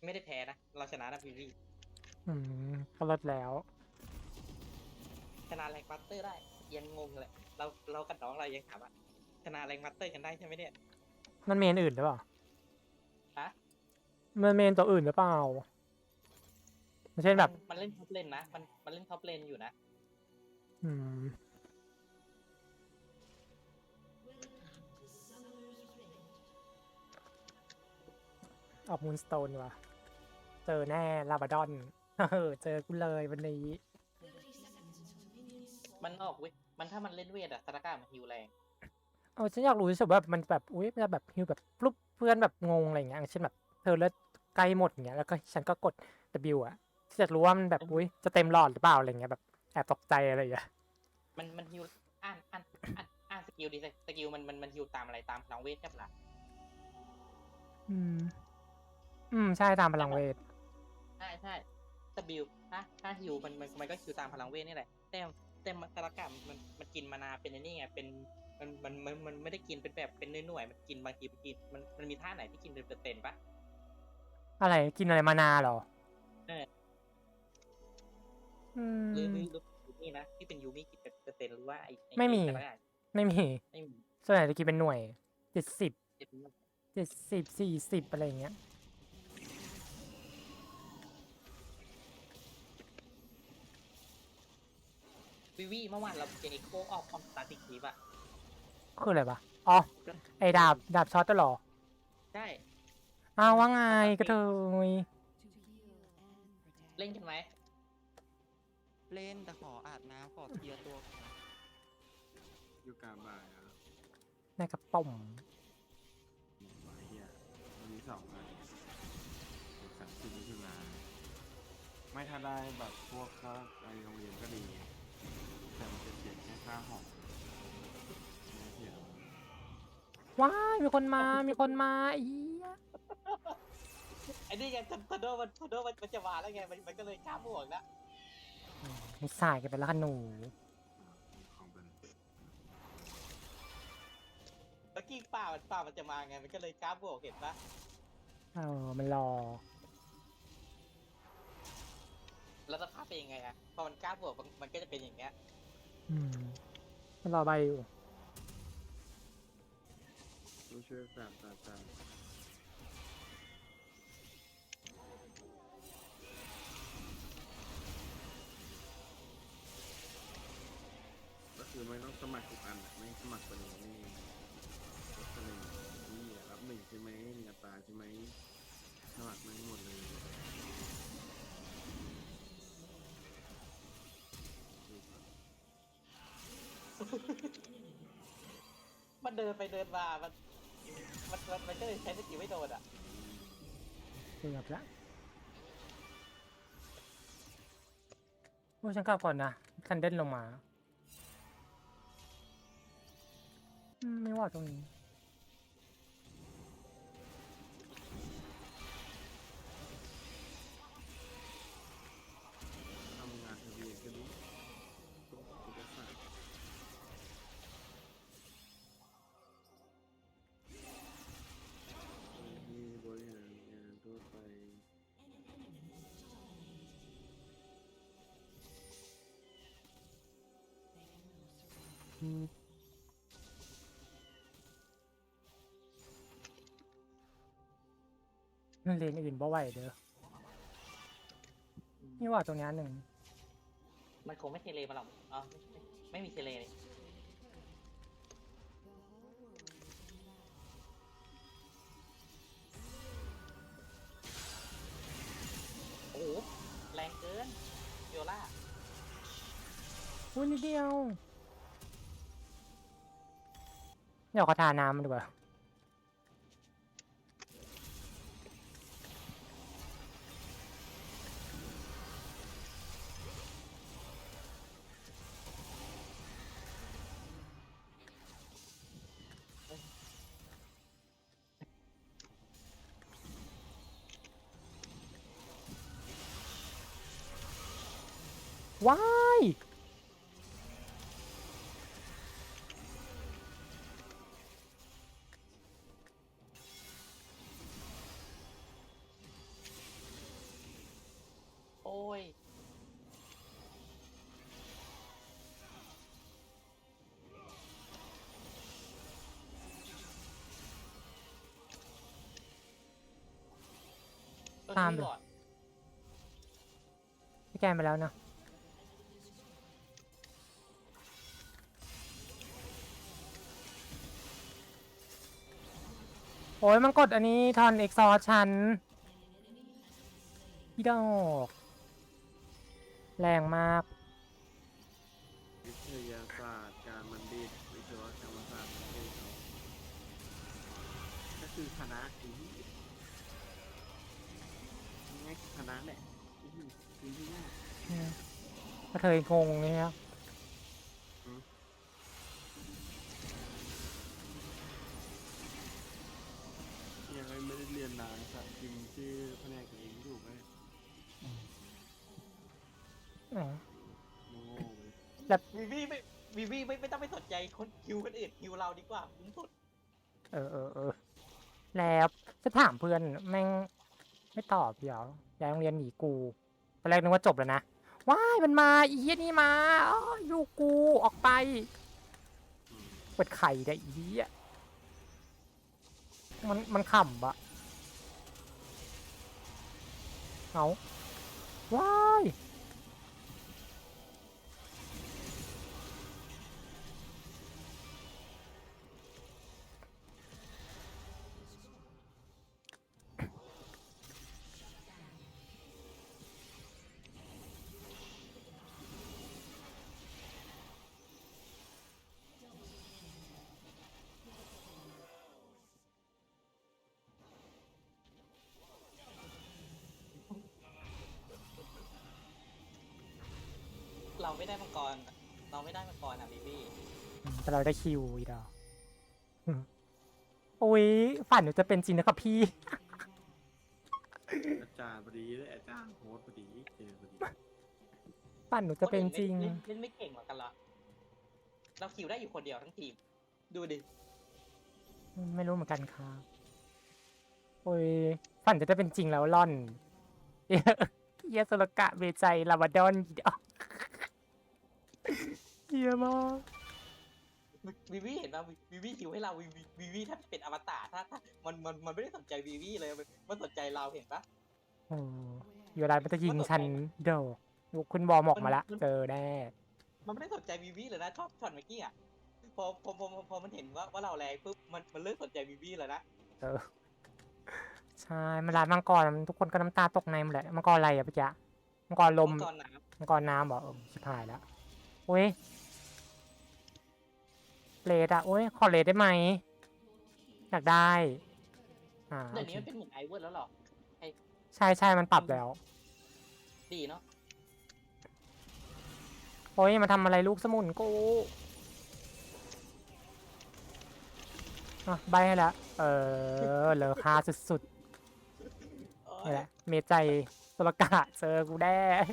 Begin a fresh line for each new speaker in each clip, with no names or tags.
ไม่ได้แพ้นะเราชนะนะพี่
อืมก็ลดแล้ว
ชนะแรงมัตเตอร์ได้ยังงงเลยเรากับน้องเรายังถามว่าชนะแรงมัตเตอร์กันได้ใช่ไหมเนี่ย
มันเมนอื่นหรือเปล่า
ฮะ
มันเมนตัวอื่นหรือเปล่าเช่น
มัน
แบบ
มันเล่นท็อปเลนนะมันเล่นท็อปเลนอยู่นะ
อืมออกมูนสโตนว่ะเจอแน่ลาบาดอนเจอกูเลยวันนี้
มันออกเว้ยมันถ้ามันเล่นเวทอะสถานการณ์มันฮิวแรง
เอาฉันอยากรู้สึกว่ามันแบบอุ้ยมันจะแบบฮิวแบบปุ๊บเพื่อนแบบงงอะไรอย่างเงี้ยอย่างเช่นแบบเธอเลือดใกล้หมดอย่างเงี้ยแล้วก็ฉันก็กด W อ่ะฉันอยากรู้ว่ามันแบบอุ้ยจะเต็มหลอดหรือเปล่าอะไรเงี้ยแบบแอบตกใจอะไรอย่างเงี้ย
มันฮิวอ่านสกิลดีสกิลมันฮิวตามอะไรตามพลังเวทใช่ปะล่ะ
อืมใช่ตามพลังเวท
ใช่สกิลถ้าฮิวมันก็ฮิวตามพลังเวทนี่แหละแต่สถานการณ์มันกินมานาเป็นไอ้นี่ไงเป็นมันไม่ได้กินเป็นแบบเป็นหน่วยๆมันกินบางทีมันกินมันมีท่าไหนที่กินเป็นเปอร์เซ็นต์ปะ
อะไรกินอะไรมานาเหรอ
เออ
อื
หรือ
ม
ยูมี่นะที่เป็นยูมี่กินเป็นเปอร์เซ็นต์หรือว่าไอ
ไม่มี
สถานการณ์
ไม่มี
ไม่มี
ส่วนใหญ่จะกินเป็นหน่วย70
เจ็บมาก
70 40อะไรอย่างเงี้ย
วิเมื่อวานเราเจอเอ็กโคออกคอมสตาร์ติคีปอะ
คืออะไรปะอ๋อไอ้ดาบช็อตตลอด
ใช่
อ้าวว่าไง
สตาร์
กระเท
เต
ย
เล่นกันไหม
เล่นแต่ขออาบน้ำขอเคลียร์ตัวก่อนนะ
อยู่กลางบ่ายครับ
ในกระป๋อม
บ่ายเฮียวันนี้2 วัน30 มิถุนาไม่ถ้าได้แบบพวกค่าไปโรงเรียนก็ดีแต่มันจะเสียแค่ค่าหอไม่เสีย
ว้ายมีคนมาอีย
ไอ้นี่ไงทันโดมันจะมาแล้วไงมันก็เลยข้ามบวกแล้ว
ไม่สายกันไปแล้วค่ะหนู
ของเป็น
แล้วกิ้งป่ามันจะมาไงมันก็เลยข้ามบวกเห็นปะ
มันรอ
แล้วสภาพเป็นยังไงอะพอมันข้ามบวกมันก็จะเป็นอย่างเงี้ย
อืมมันรอใบอยู่
ผู้ช่วยศาสตราจารย์ก็คือไม่ต้องสมัครทุกอันอะไม่สมัครตัวนี้นี่รับตัวนี้นี่รับ1ใช่ไหมมีอัตราใช่ไหมสมัครไม่หมดเลยดูครับ
มันเดินไปเดินมามันก็เลยใช้สกิลไม่โดนอะ
เกือบละโอ้ฉันกลับก่อนนะคันเด่นลงมาไม่ว่าตรงนี้
ทำงานทะเบียนก็ดีตกเอกสารที่บริหารงานทั่วไป
เลนอื่นบ่ไหวเด้อไม่ว่าตรงนี้หนึ่ง
มันคงไม่เทเลมาหรอกอ๋อไม่มีเทเลเลยโอ้โหแรงเกินโยล่า
นิดเดียวเดี๋ยวขอทาน้ำมันดีกว่าว้าย
อ้ย
ตาม
พี่
เลย
ก่อน
พี่แกนไปแล้วเนาะโอ้ยมันกดอันนี้ทอนเอ็กซอร์ชันพี่ดอกแรงมาก
วิทยาศาสตร์การบัณฑิตวิศวกรรมศาสตร์ประเทศเขาก็คือคณะนี้ง่ายๆคณะแหละคือที่ง่าย
ก็เธองงเลยนะ
ยังไม่ได้เรียนนานสัตว์พิมพ์ชื่อแผนกตัวเองถูกไหม
อ๋อ
โง่เลย
วีวีไม่ต้องไปสนใจคนคิวคนอื่นคิวเราดีกว่าคุ้มสุด
แล้วจะถามเพื่อนแม่งไม่ตอบเดี๋ยวย้ายโรงเรียนหนีกูตอนแรกนึกว่าจบแล้วนะว้ายมันมาอีเหี้ยนี่มาอ้ออยู่กูออกไปเปิดไข่ได้อีเหี้ยมันขำอะเอาว้าย
เราไม่ได้มังกรเราไม่ได้มังกรอ่ะวีวี
แต่เราได้คิวอีดอกโอ้ยฝันหนูจะเป็นจริงนะครับพี่
อาจารย์พอดีเลยอาจารย์โฮสต์พอดีเจอพอดี
ฝันหนูจะเป็นจริง
เล่นไม่เก่งเหมือนกันเหรอเราคิวได้อยู่คนเดียวทั้งทีมดูดิ
ไม่รู้เหมือนกันค่ะโอ้ยฝันจะได้เป็นจริงแล้วล่อนเฮียสลกะเวใจลาบาดอนอีดอกเฮียมาก
วีวีเห็นป่ะวีวีคิวให้เราวีวีถ้าเป็นอวตารถ้ามันไม่ได้สนใจวีวีเลยมันสนใจเราเห็นปะ
โอ้อยู่ร้านมันจะยิงฉันโดกลูกคุณบอมออกมาละเจอแน่
มันไม่ได้สนใจวีวีเลยนะชอบช็อตเมื่อกี้อ่ะพอมันเห็นว่าเราแรงปุ๊บมันเลิกสนใจวีวีเลยนะ
เออใช่มันร้านมังกรทุกคนก็น้ำตาตกในหมดเลยมังกรอะไรอะพี่จ๊ะมังกรลม
มังกรน้
มังกรน้ำเหรอชิบหายแล้วโอ้ยเลดอะโอ้ยขอเลดได้ไหมอยากได้
ำเดี๋ยว
โอเค
นี้มันเป็นเหมือนไอเวอร์แล้วหรอ
ใช่มันปรับแล้ว
ดีเนาะ
โอ้ยมาทำอะไรลูกสมุนกูใบให้แล้วเลอค่าสุดๆนี่แหละเมใจสลกะเจอกูแน่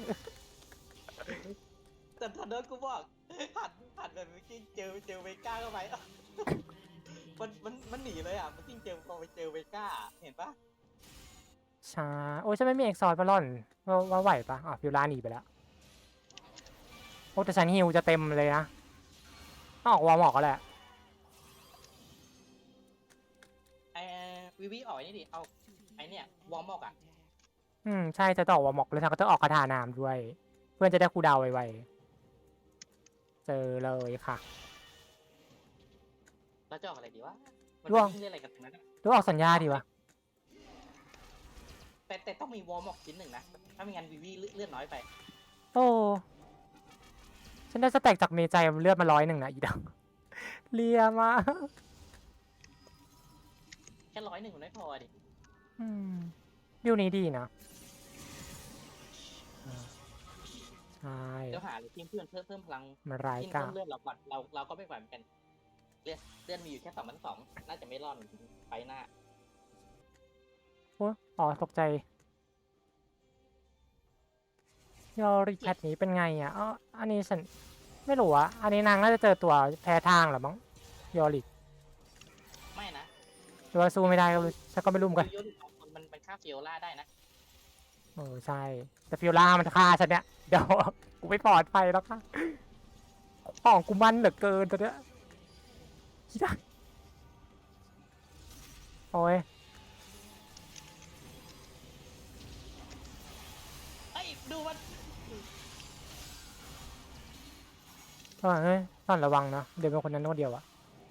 แต่ทันเดอร์กูบอกหันแบบเมื่อกี้เจอเวก้าเข้าไปมันหนีเลยอ่ะมันจริงพอไปเจอเวก้าเห็นปะ
ช้าโอ้ยฉันไม่มีเอ็กซอร์ปะล่อนว่าไหวปะฟิวล่าหนีไปแล้วโอ้แต่ฉันฮิวจะเต็มเลยนะต้องออกวอร์มออกก็แหละ
ไอวีวีออกนี่ดิเอาไอเนี่ยวอร์มอกอ่ะ
ใช่จะต้องออกวอร์มออกแล้วฉันก็ต้องออกคาถาน้ำด้วย เพื่อนจะได้คูลดาวน์ไวๆเจอเลยค่ะ
แล้วจะออกอะไรดีวะมัน
ร่วง
เล่นอะไรกันตรงนั้นอะ
หรือออกสัญญาดีวะ
แต่ต้องมีวอร์มอกชิ้นหนึ่งนะถ้าไม่งั้นวีวีเลื่อนน้อยไป
โอ้ฉันได้สแต็กจากเมใจเลือดมา100นะอีดอกเลียมา
แค่101มันไม่พอดิ
วิวนี้ดีนะใช่
เดี๋ยวหาเลยทีมเพื่อนเพิ่มพลัง
มันร้าย
ทีม
กา
เพิ่
จ
มเลือดเราก่อนเราก็ไม่ไหวเหมือนกันเลื่อนมีอยู่แค่2,200น่าจะไม่รอดเหมือนกันไปหน้า
โอ้อ๋อตกใจยอริแพทนี้เป็นไงอ่ะอ๋ออันนี้ฉันไม่รู้อ่ะอันนี้นางน่าจะเจอตัวแพ้ทางเหรอมั้งยอริ
ไม่นะ
หรือว่าสู้ไม่ได้ก็ฉันก็ไม่รู้เหมือนกัน
โยนของคนมันฆ่าฟิโอล่าได้นะ
ใช่ แต่ฟิโอล่ามันจะฆ่าฉันเนี่ย เดี๋ยว กูไม่ปลอดภัยแล้วค่ะของกูมันเหลือเกินตัวเนี้ยคิดได้โอ้ย
เอ้ยดูมัน
เฮ้ยต้องระวังนะ เดี๋ยวเป็นคนนั้นคนเดียวอะ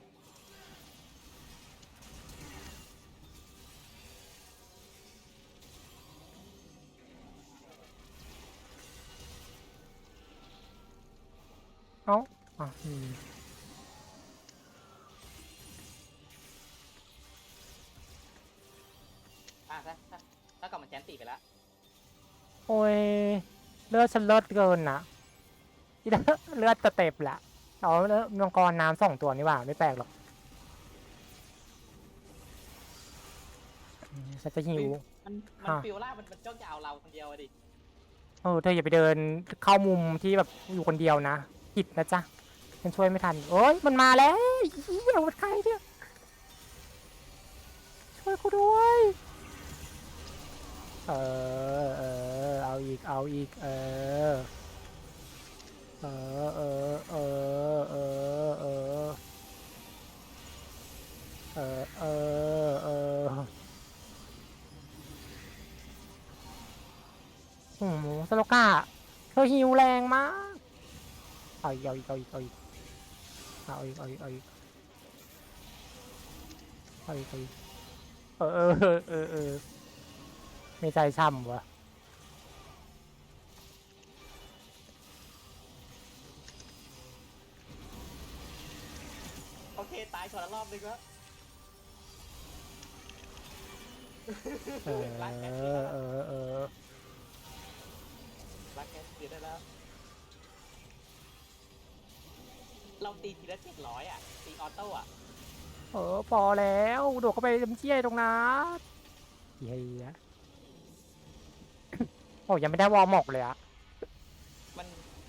เอ้า
ถ้ากับมันแจนตีไปแล้ว
โอ้ย เลือดฉันเลือดเกินนะที่เลือดจะเต็มละเอาแล้วมังกรน้ำ2 ตัวนี่หว่า ไม่แปลกหรอกฉันจะหิว
มันฟิลล่ามันจ้องจะเอาเราคนเดียวอะดิ
เธออย่าไปเดินเข้ามุมที่แบบอยู่คนเดียวนะผิดนะจ๊ะฉันช่วยไม่ทันโอ้ยมันมาแล้วเฮียมันใครเนี่ยช่วยกูด้วยเอาอีกเอาอีกเออเออเออเออเออเออเออเออเออโอ้โหสโลก้าเธอหิวแรงมากเอาอีกเอาอีกเอาอีกเอาอีกเอาอีกเอาอีกเอาอีกเอาอีกเอาอีกไม่ใจช่ำวะ
โอเคตายคนละรอบนึงแล้ว
เออ
รักแคส
เอ
คืนได้
อ
แล้ว
เออ
รักแคสคืนได้แล้ว เราตีทีละ700อ่ะตีออโต้อ่ะ
พอแล้วโดดเข้าไปจำเจี้ยตรงนั้นเฮียโอ้ยังไม่ได้วอร์มอกเลยอะ
มัน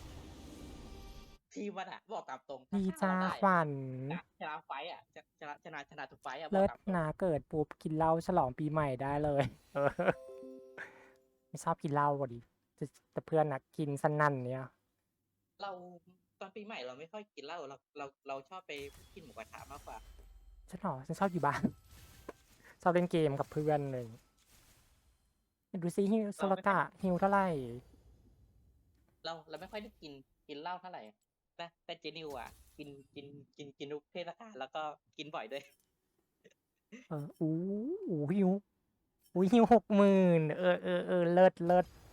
ทีมมันอ่ะบอกตามตรง
ดี
ถ้า
จ้า
เราได้
ขวัญ
ชนะไฟต์อ่ะชนะทุกไฟต์อ่ะบอ
เลิ
ก
ศ
ตามตรง
นะเกิดปุ๊บกินเหล้าฉลองปีใหม่ได้เลย ไม่ชอบกินเหล้าพอดีแต่เพื่อนนะกินสนั่นเนี่ย
เราตอนปีใหม่เราไม่ค่อยกินเหล้าเราชอบไปกินหมูกระทะมากกว่า
ฉันชอบอยู่บ้าน ชอบเล่นเกมกับเพื่อนเลยดูซิฮิวโซลกะฮิวเท่าไหร่
เราไม่ค่อยได้กินเหล้าเท่าไหร่แต่เจนิวอ่ะกินทุกเทศกาลแล้วก็กินบ่อยด้วย
อู้หิวอู้หิว60,000เลิศ